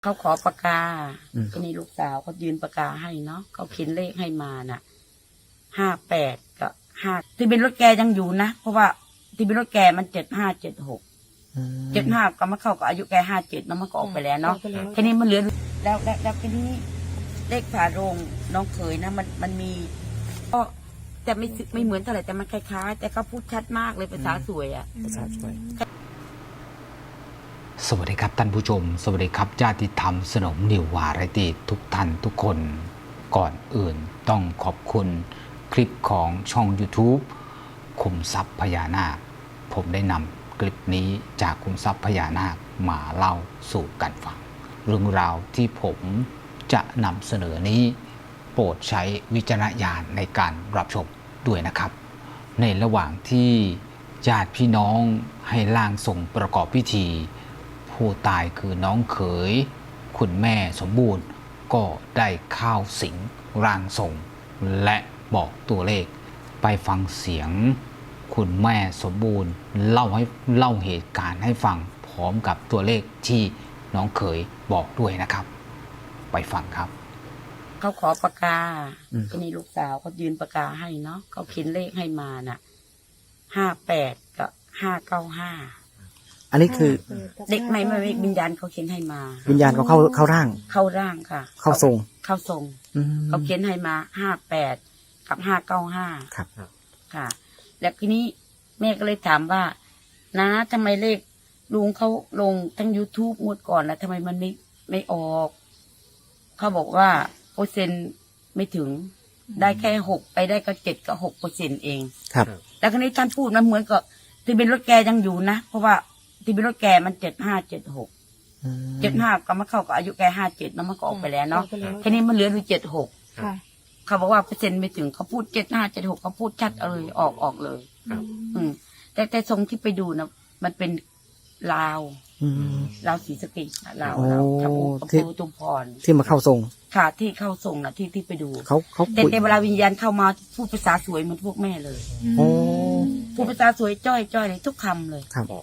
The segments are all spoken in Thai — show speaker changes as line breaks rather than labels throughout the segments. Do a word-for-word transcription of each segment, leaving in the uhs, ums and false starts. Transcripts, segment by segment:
เขาขอปากกาทีนี้ลูกสาวเขายืนปากกาให้เนาะเขาเขียนเลขให้มาน่ะห้าแปดกับห้าที่เป็นรถแกยังอยู่นะเพราะว่าที่เป็นรถแกมันเจ็ดห้าเจ็ดหกเจ็ดห้าก็มาเข้ากับอายุแกห้าเจ็ดแล้วมันก็ออกไปแล้วเนาะทีนี้มันเหลือแล้วแล้วแล้วทีนี้เลขฝาโรงน้องเขยนะมันมันมีก็แต่ไม่ไม่เหมือนเท่าไหร่แต่มันคล้ายๆแต่เขาพูดชัดมากเลยภาษาสวยอ่ะ
ภาษาสวย
สวัสดีครับท่านผู้ชมสวัสดีครับญาติธรรมสนมนิววาไรตี้ทุกท่านทุกคนก่อนอื่นต้องขอบคุณคลิปของช่อง YouTube ขุมทรัพย์พญานาคผมได้นำคลิปนี้จากขุมทรัพย์พญานาคมาเล่าสู่กันฟังเรื่องราวที่ผมจะนำเสนอนี้โปรดใช้วิจารณญาณในการรับชมด้วยนะครับ ในระหว่างที่ญาติพี่น้องให้ร่างทรงประกอบพิธีผู้ตายคือน้องเขยคุณแม่สมบูรณ์ก็ได้เข้าสิงร่างทรงและบอกตัวเลขไปฟังเสียงคุณแม่สมบูรณ์เล่าให้เล่าเหตุการณ์ให้ฟังพร้อมกับตัวเลขที่น้องเขยบอกด้วยนะครับไปฟังครับ
เขาขอปากกาทีนี้ลูกสาวเขายืนปากกาให้เนาะเขาเขียนเลขให้มาน่ะห้าแปดกับห้าเก้าห้า
อันนี้คือ
เด็กไม่ไม่วิญญาณเขาเขียนให้มา
วิญญาณเขาเข้าเข้าร่าง
เข้าร่างค่ะ
เข้าทรง
เข้าทรงเขาเขียนให้มาห้าแปดกับห้าเก้าห้า
ครับ
ค่ะแล้วทีนี้แม่ก็เลยถามว่านะทำไมเลขลุงเขาลงทั้ง YouTube งวดก่อนแล้วทำไมมันไม่ไม่ออกเขาบอกว่าเปอร์เซ็นต์ไม่ถึงได้แค่หกไปได้ก็เจ็ดกับหกเปอร์เซ็นต์เอง
ครับ
แล้วคราวนี้ท่านพูดมันเหมือนกับที่เป็นรถแกยังอยู่นะเพราะว่าที่เป็นรถแกมันเจ็ดห้าเจ็ดหกเจ็ดห้าก็มาเข้ากับอายุแกห้าเจ็ดแล้วมันก็ออกไปแล้วเนาะทีนี้มันเหลืออยู่เจ็ดหกเขาบอกว่าเปอร์เซ็นต์ไม่ถึงเขาพูดเจ็ดห้าเจ็ดหกเขาพูดชัดเลยออกออกเลยอืมแต่แต่ทรงที่ไปดูนะมันเป็นลาวลาวศรีสะเกษลาวลาวทับปูตุมพร
ที่มาเข้าทรง
ค่ะที่เข้าทรงนะที่ที่ไปดู
เขาเขา
แต่แต่เวลาวิญญาณเข้ามาพูดภาษาสวยเหมือนพวกแม่เลย
โอ้
พูดภาษาสวยจ้อยจ้อยเลยทุกคำเลย
ครับ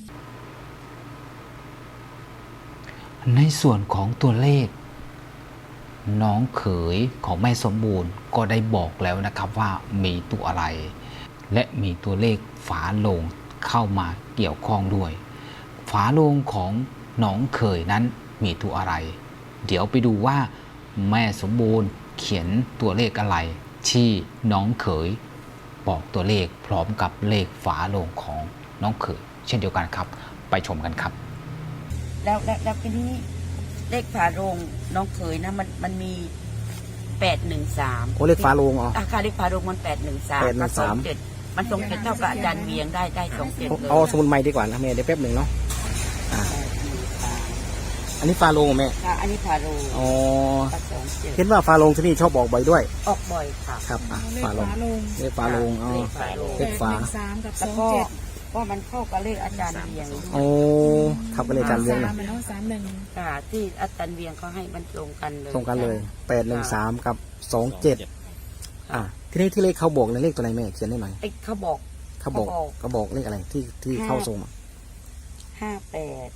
ในส่วนของตัวเลขน้องเขยของแม่สมบูรณ์ก็ได้บอกแล้วนะครับว่ามีตัวอะไรและมีตัวเลขฝาโลงเข้ามาเกี่ยวข้องด้วยฝาโลงของน้องเขยนั้นมีตัวอะไรเดี๋ยวไปดูว่าแม่สมบูรณ์เขียนตัวเลขอะไรที่น้องเขยบอกตัวเลขพร้อมกับเลขฝาโลงของน้องเขยเช่นเดียวกันครับไปชมกันครับ
แล้วแล้วแล้วทีนี้เลขฝาโรงน้องเขยนะมันมันมีแปดหนึ่งสาม
โอ้เลขฝาโลงอ๋อ
อาคาเลขฝาโรงมันแปดหนึ่งสามกับสองเจ็ดมันสองเจ็ดเท่ากับอาจารย์เวียงได้ได้สองเจ็ดเลย
เอาสมุนไพรดีกว่านะแม่เดี๋ยวแป๊บหนึ่งเนาะอันนี้ฟาโลงแม่
ค่ะอันนี้ฟาโลง
อ๋อเห็นว่าฟาโลงที่นี่ชอบออกบ่อยด้วย
ออกบ่อยค่ะ
ครับฟาโลงเลขฟาโลงอ๋อเลขฝา
แล้วก็ว่ามันเข้ากับเลขอาจารย์เวียง
โอ้ทับกับเลขอาจารย์เวียงนะ
สามหนึ่งค่ะที่อาจารย์เวียงเขาให้มันตรงกันเลย
ตรงกันเลยแปดหนึ่งสามกับสองเจ็ดอ่าที่นี่ที่เลขเขาบอกในเลขตัวไหนแม่เขียนได้หน่อย
เขาบอก
เขาบอกเขาบอกเลขอะไรที่ที่เข้าทรง
ห้าแปด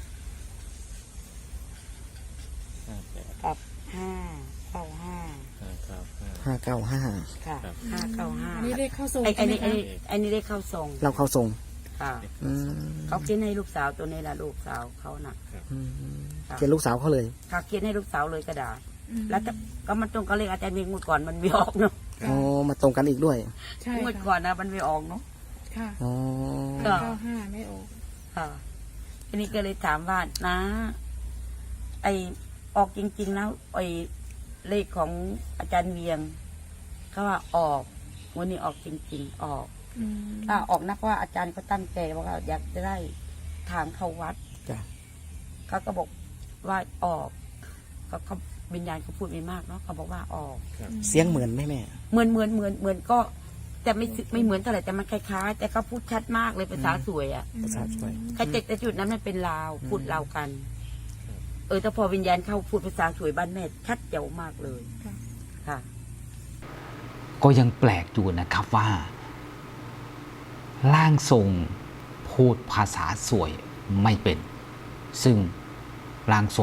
กับห้าเก้าห้า
ห้าเก้าห้า
ค่ะห้าเก้าห้า
อันนี้เลขเข้าทรง
ไอ้ไอ้นี่ไอ้ไอ้นี่เลขเข้าทรง
เราเข้าทรง
ค่ะเขาเขียนให้ลูกสาวตัวนี้แหละลูกสาวเขาน่ะ
เขียนลูกสาวเขาเลย
ค่ะเขียนให้ลูกสาวเลยกระดาษแล้วก็มันตรงกับเลขอาจารย์เวียงเมื่อก่อนมันไม่ออกเนาะ
อ๋อมาตรงกันอีกด้วย
ใช่เมื่อก่อนนะมันไม่ออกเนาะ
ค่ะ
อ๋อ
เก้าห้าไม่ออก
ค่ะทีนี้ก็เลยถามว่านะไอออกจริงๆแล้วไอเลขของอาจารย์เวียงเขาว่าออกวันนี้ออกจริงๆออกถ้าออกนักว่าอาจารย์ก็ตั้งใจว่าอยากจะได้ทางเข้าวัดเขาก็บอกว่าออกก็เขาวิญญาณเขาพูดไม่มากเนาะเขาบอกว่าออก
เสียงเหมือนไหมแม่
เหมือนเหมือนเหมือนเหมือนก็แต่ไม่ไม่เหมือนเท่าไหร่แต่มันคล้ายๆแต่เขาพูดชัดมากเลยภาษาสวยอ่ะ
ภาษาสวย
แต่แต่จุดนั้นมันเป็นลาวพูดลาวกันเออแต่พอวิญญาณเข้าพูดภาษาสวยบ้านแม่ชัดเจ๋วมากเลยค่ะ
ก็ยังแปลกอยู่นะครับว่าร่างทรงพูดภาษาสวยไม่เป็นซึ่งร่างทรง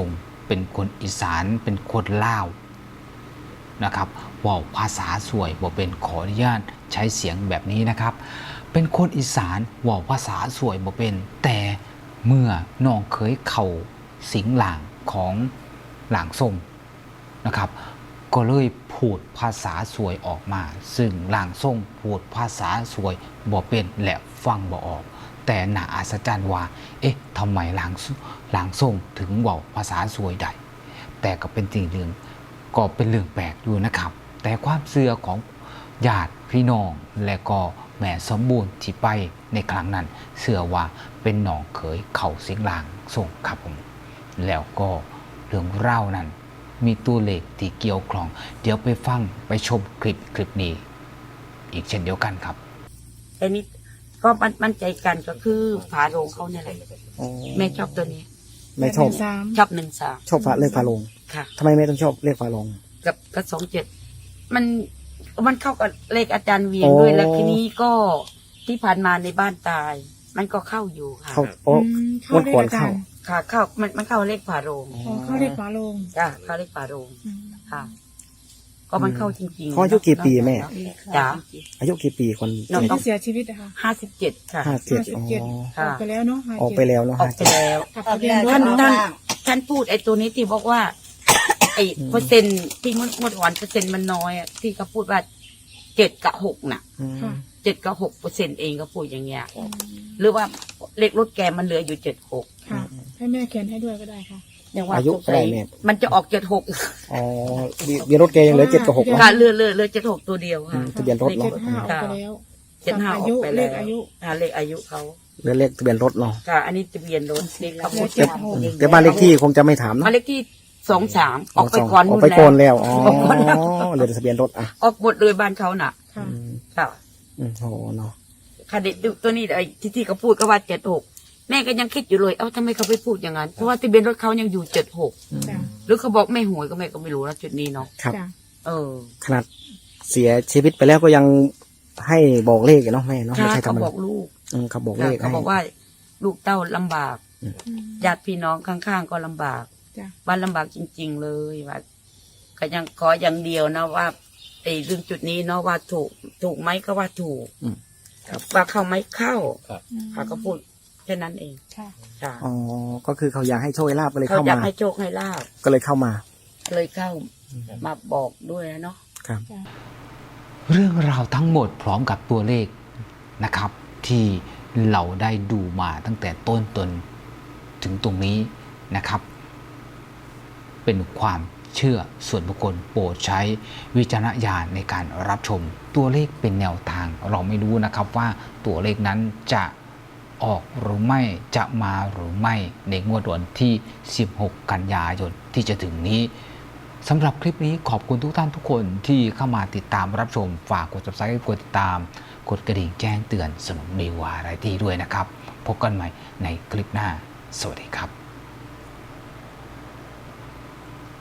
เป็นคนอีสานเป็นคนลาวนะครับเว่าภาษาสวยบ่เป็นขออนุญาตใช้เสียงแบบนี้นะครับเป็นคนอีสานเว่าภาษาสวยบ่เป็นแต่เมื่อน้องเคยเข่าสิงหลางของหลางทรงนะครับก็เลยพูดภาษาสวยออกมาซึ่งหลางทรงพูดภาษาสวยบ่เป็นและฟังบ่ออกแต่น่าอัศจรรย์ว่าเอ๊ะทำไมหลางหลางทรงถึงเว้าภาษาสวยได้แต่ก็เป็นสิ่งหนึ่งก็เป็นเรื่องแปลกอยู่นะครับแต่ความเชื่อของญาติพี่น้องและก็แม่สมบูรณ์ที่ไปในครั้งนั้นเชื่อว่าเป็นน้องเขยเข่าสิงหลางทรงครับผมแล้วก็เรื่องเล่านั้นมีตัวเลขที่เกี่ยวข้องเดี๋ยวไปฟังไปชมคลิปคลิปนี้อีกเช่นเดียวกันครับ
แต่นี้ก็มันมั่นใจกันก็คือฝาโรงเขาเนี่ยแหละ
อ๋อ
แม่ชอบตัวนี้
แม่ชอบ
สาม
ชอบหนึ่งสาม
ชอบฝาเลขฝาโลง
ค่ะ
ทำไมแม่ต้องชอบเลขฝาโลง
กับกับสองเจ็ดมันมันเข้ากับเลขอาจารย์เวียงด้วย
โอ้
แล้วทีนี้ก็ที่ผ่านมาในบ้านตาย มันก็เข้าอยู่ค่ะ
เข้าโอ้
อืมเข้า
วัน
ได้
ก่อน
อาจา
เข้า
รย์
ค่ะเข้ามันมันเข้าเลขฝาโรง
อ๋อเข้าเลขฝาโลง
จ้ะเข้าเลขฝาโรง
อืม
ค่ะ ก็มันเข้าจริงๆ
เขาอายุกี่ปีแม่
จ้ะ
อายุกี่ปีคน
น้อง
ที่เสียชีวิตนะคะ
ห้าสิบเจ็ดค่ะ
ห้าเจ็ด
ห้าสิบ
อ๋อ
เจ็ด
ค่ะ
ออกไปแล้วเนาะห้า
ออก
เจ็ด
ไปแล้วเนาะ
ออกไปแล้ว
กับทะเบียนรถ
ท่าน
เนาะ
ท่านท่านพูดไอ้ตัวนี้ที่บอกว่า ไอ้เปอร์เซ็นต์ที่งวดงวดก่อนเปอร์เซ็นต์มันน้อยอะที่เขาพูดว่าเจ็ดกับหกน่ะ
อืม
ค่ะ
เจ็ดกับหกเปอร์เซ็นต์เองก็พูดอย่างเงี้ย
อืม
หรือว่าเลขรถแกมันเหลืออยู่เจ็ดหก
ค่ะ ให้แม่เขียนให้ด้วยก็ได้ค่ะ
ยังว่า
อายุ
สง
เท่า
สั
ไหร่
ย
แม่
มันจะออกเจ็ดหก
อ๋อเบียเบียร์รถแกยังเหลือเจ็ดกับหก
ค่ะเหลือเหลือเหลือเจ็ดหกตัวเดียว
อื
ค่ะ
มทะเบียนรถ
เจ็
เนาะ
ดห้าออกไปแล้ว
เจ็ดห้าอ
อา
อก
ยุ
ไป
เล
แล้ว
ขอายุ
อ่าเลขอายุเขา
เหลือเลขทะเบียนรถเนาะ
ค่ะ อันนี้ทะเบียนรถเลขเขา
เหลื
พู
อ
ด
เจ็ดหก
อืมแต่บ้านเลขที่คงจะไม่ถามเนาะ
บ้านเลขที่สองสามออกไปก่อน
ออก
นู่น
ไป
แล้ว
ก่อนแล้วอ๋อ
ออกก่อนแล้ว
เหลือแต่ทะเบียนรถอ่ะ
ออกหมดเลยบ้านเขาน่ะ
ค่ะ
อืม
ค่ะ
อืมโหเนาะ
ค่ะเด็กตัวนี้ไอ้ที่ที่เขาพูดก็ว่าเจ็ดหกแม่ก็ยังคิดอยู่เลยเอ้าทำไมเขาไปพูดอย่างนั้นเพราะว่าทะเบียนรถเขายังอยู่เจ็ดหก
จ้ะ
หรือเขาบอกไม่หวยก็แม่ก็ไม่รู้นะจุดนี้เนาะ
ครับ
จ้ะ
เออ
ขนาดเสียชีวิตไปแล้วก็ยังให้บอกเลขอยู่เนาะแม่เนาะไม่
ค่ะ
ใช่ธร
เขา
รม
บ
ดา
อกลูก
อืมเขาบอกเล
ค่ะ
ข
เขา
ให้
บอกว่าลูกเต้าลำบาก
อืม
ญาติพี่น้องข้างๆก็ลำบาก
จ้ะ
บ้านลำบากจริง ๆ เลยว่าก็ยังขออย่างเดียวนะว่าไอ้เรื่องจุดนี้เนาะว่าถูกถูกไหมก็ว่าถูก
อืม
ครับว่าเข้าไหมเข้า
อืม
เขาก็พูดแค่นั้นเอง
ค่ะ
ค่ะ
อ๋อก็คือเขาอยากให้โชคให้ลาบก็เลย
เขา
เข้า
อยาก
มา
ให้โชคให้ลาบ
ก็เลยเข้ามา
เลยเข้ามาบอกด้วยนะเนาะ
ครับ
จ้ะ
เรื่องราวทั้งหมดพร้อมกับตัวเลขนะครับ ที่เราได้ดูมาตั้งแต่ต้นจนถึงตรงนี้นะครับ เป็นความเชื่อส่วนบุคคลโปรดใช้วิจารณญาณในการรับชมตัวเลขเป็นแนวทาง เราไม่รู้นะครับว่าตัวเลขนั้นจะออกหรือไม่จะมาหรือไม่ในงวดวันที่สิบหกกันยายนที่จะถึงนี้สำหรับคลิปนี้ขอบคุณทุกท่านทุกคนที่เข้ามาติดตามรับชมฝากกด ซับสไครบ์ กดติดตามกดกระดิ่งแจ้งเตือนสนมดีวาไรตี้ด้วยนะครับพบกันใหม่ในคลิปหน้าสวัสดีครับ